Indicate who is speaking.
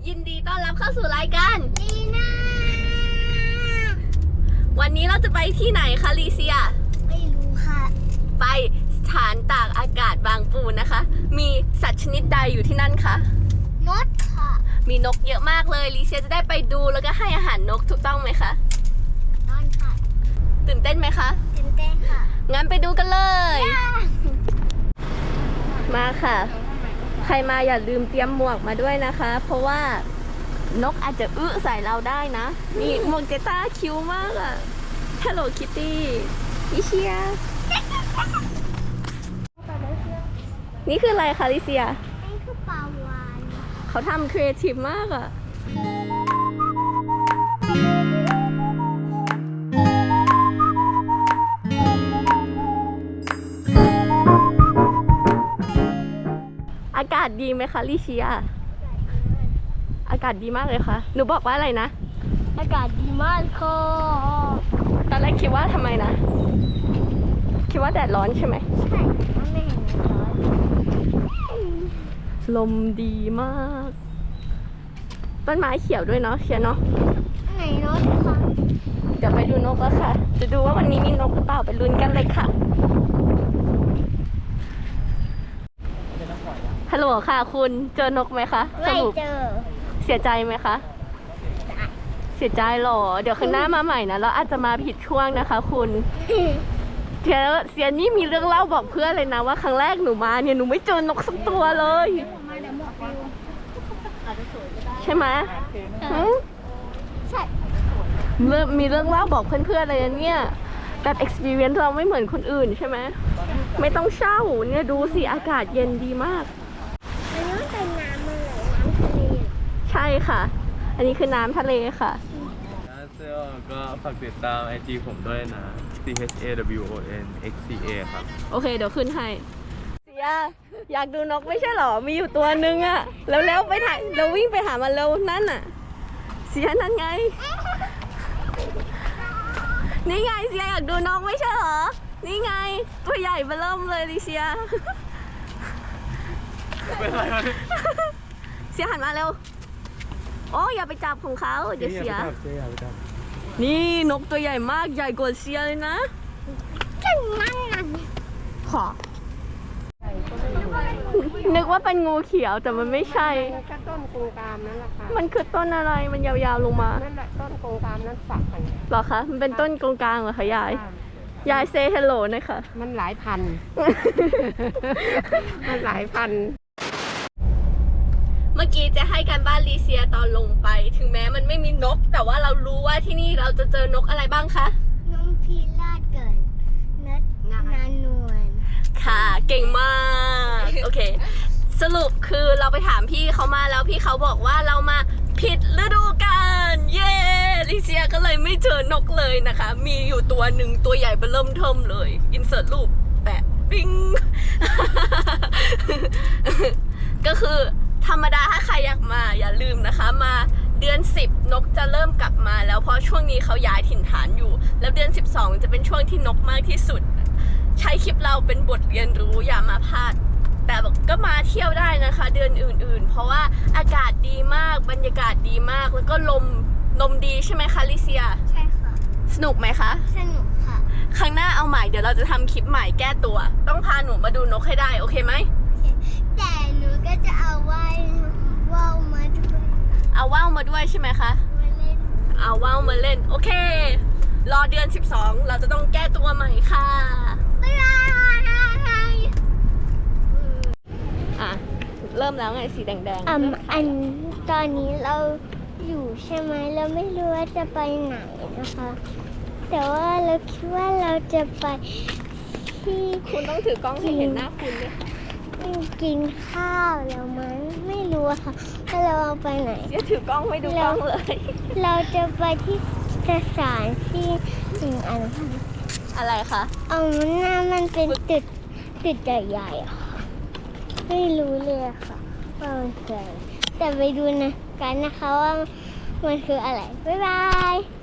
Speaker 1: ยินดีต้อนรับเข้าสู่รายการ
Speaker 2: ลีน่า
Speaker 1: วันนี้เราจะไปที่ไหนคะลีเซีย
Speaker 2: ไม่รู้ค่ะ
Speaker 1: ไปสถานตากอากาศบางปูนะคะ มีสัตว์ชนิดใดอยู่ที่นั่นคะ
Speaker 2: นกค่ะ
Speaker 1: มีนกเยอะมากเลยลีเซียจะได้ไปดูแล้วก็ให้อาหารนกถูกต้องไหมคะ
Speaker 2: ต้อนค่ะ
Speaker 1: ตื่นเต้นไหมคะ
Speaker 2: ตื่นเต้นค่ะ
Speaker 1: งั้นไปดูกันเลยมาค่ะใครมาอย่าลืมเตรียมหมวกมาด้วยนะคะ เพราะว่านกอาจจะใส่เราได้นะนี่หมวกเจต้าคิ้วมากอะ Hello Kitty ลิเชียนี่คืออะไรคะลิเซีย
Speaker 2: นี่คือปลาวาฬ
Speaker 1: เขาทำครีเอทีฟมากอะอากาศดีไหมคะลิเชียอากาศดีมากเลยค่ะหนูบอกว่าอะไรนะ
Speaker 2: อากาศดีมากค่ะ
Speaker 1: ตอนแรกคิดว่าทำไมนะคิดว่าแดดร้อนใช่ไหม
Speaker 2: ใช่ไม่เห็นร้อน
Speaker 1: ลมดีมากต้นไม้เขียวด้วยเนาะเชียเนาะ
Speaker 2: ไหนนกคะ
Speaker 1: เดี๋ยวไปดูนกแล้วค่ะจะดูว่าวันนี้มีนกหรือเปล่าไปลุ้นกันเลยค่ะฮัลโหลค่ะคุณเจอนกไหมคะ
Speaker 2: ไม่เจอ
Speaker 1: เสียใจไหมคะเสียใจหรอเดี๋ยวข้างหน้ามาใหม่นะเราอาจจะมาผิดช่วงนะคะคุณเสียนี่มีเรื่องเล่าบอกเพื่อนเลยนะว่าครั้งแรกหนูมาเนี่ยหนูไม่เจอนกสักตัวเลยใช่ไหม
Speaker 2: ใช่
Speaker 1: มีเรื่องเล่าบอกเพื่อนๆเลยเนี่ยแบบ experience เราไม่เหมือนคนอื่นใช่ไหมไม่ต้องเช่าเนี่ยดูสิอากาศเย็นดีมาก
Speaker 2: อันนี้เป็นน้ำอะไรน้ำทะเล
Speaker 1: ใช่ค่ะอันนี้คือน้ำทะเลค่ะ
Speaker 3: ก็ฝากติดตาม IG ผมด้วยนะ CHAWONXCA ครับ
Speaker 1: โอเคเดี๋ยวขึ้นให้เสียอยากดูนกไม่ใช่หรอมีอยู่ตัวนึงอะแล้วไปถ่ายเราวิ่งไปหามันเร็วนั่นอะเสียนั่นไงนี่ไงเสียอยากดูนกไม่ใช่หรอนี่ไงตัวใหญ่เบ้อเริ่มเลยดิเสีย
Speaker 3: เป็นไรวะ
Speaker 1: เสียหันมาเร็วโอ้อย่าไปจับของเขาเดี๋ยวเสียนี่นกตัวใหญ่มากใหญ่กว่าเสียเลยนะ
Speaker 2: จังนั่นน่ะ
Speaker 1: ขอนึกว่าเป็นงูเขียวแต่มันไม่ใช่
Speaker 4: ก็ต้นกงกามนั่นแหละค่ะ
Speaker 1: มันคือต้นอะไรมันยาวๆลงมา
Speaker 4: นั่นแหละต้นกงกามนั่นฝักกัน
Speaker 1: หรอคะมันเป็นต้นกงกลางเหรอคะยายเซฮัลโหลนะคะ
Speaker 4: มันหลายพันมันหลายพัน
Speaker 1: เมื่อกี้จะให้การบ้านลีเซียตอนลงไปถึงแม้มันไม่มีนกแต่ว่าเรารู้ว่าที่นี่เราจะเจอนกอะไรบ้างคะ
Speaker 2: นกพิราบเกินนานวล
Speaker 1: ค่ะเก่งมากโอเคสรุปคือเราไปถามพี่เขามาแล้วพี่เขาบอกว่าเรามาผิดฤดูกาลเย้ลิเซียก็เลยไม่เจอนกเลยนะคะมีอยู่ตัวหนึ่งตัวใหญ่เบิ่มเทิมเลยอินเสิร์ตรูปแปะปิ้ง ก็คือธรรมดาถ้าใครอยากมาอย่าลืมนะคะมาเดือน10นกจะเริ่มกลับมาแล้วเพราะช่วงนี้เขาย้ายถิ่นฐานอยู่แล้วเดือน12จะเป็นช่วงที่นกมากที่สุดใช้คลิปเราเป็นบทเรียนรู้อย่ามาพลาดแต่ก็มาเที่ยวได้นะคะเดือนอื่นๆเพราะว่าอากาศดีมากบรรยากาศดีมากแล้วก็ลมดีใช่ไหมคะลิเซีย
Speaker 2: ใช่ค่ะ
Speaker 1: สนุกไหมคะ
Speaker 2: สนุกค่ะ
Speaker 1: ครั้งหน้าเอาใหม่เดี๋ยวเราจะทำคลิปใหม่แก้ตัวต้องพาหนูมาดูนกให้ได้โอเคไหม
Speaker 2: แต่หนูก็จะเอาว่าวมาด้วย
Speaker 1: เอาว่าวมาด้วยใช่ไหมคะเอาว่าวมาเล่นโอเครอเดือน12เราจะต้องแก้ตัวใหม่ค่ะ
Speaker 2: บ๊ายบาย
Speaker 1: อ่ะเริ่มแล้วไงสีแดงๆ
Speaker 2: อันตอนนี้เราอยู่ใช่ไหมเราไม่รู้ว่าจะไปไหนนะคะแต่ว่าเราคิดว่าเราจะไปที่
Speaker 1: คุณต้องถือกล้องให้เห็นหน้าคุณด้วยค่ะ
Speaker 2: กินข้าวแล้วมั้งไม่รู้ค่ะถ้าเราเอาไปไหน
Speaker 1: จะถือกล้องไม่ดูกล้องเลย
Speaker 2: เราจะไปที่สถานที่
Speaker 1: อะไรคะ
Speaker 2: หน้ามันเป็นตึกใหญ่ๆค่ะไม่รู้เลยค่ะว่ามันคืออะไรแต่ไปดูนะกันนะคะว่ามันคืออะไรบ๊ายบาย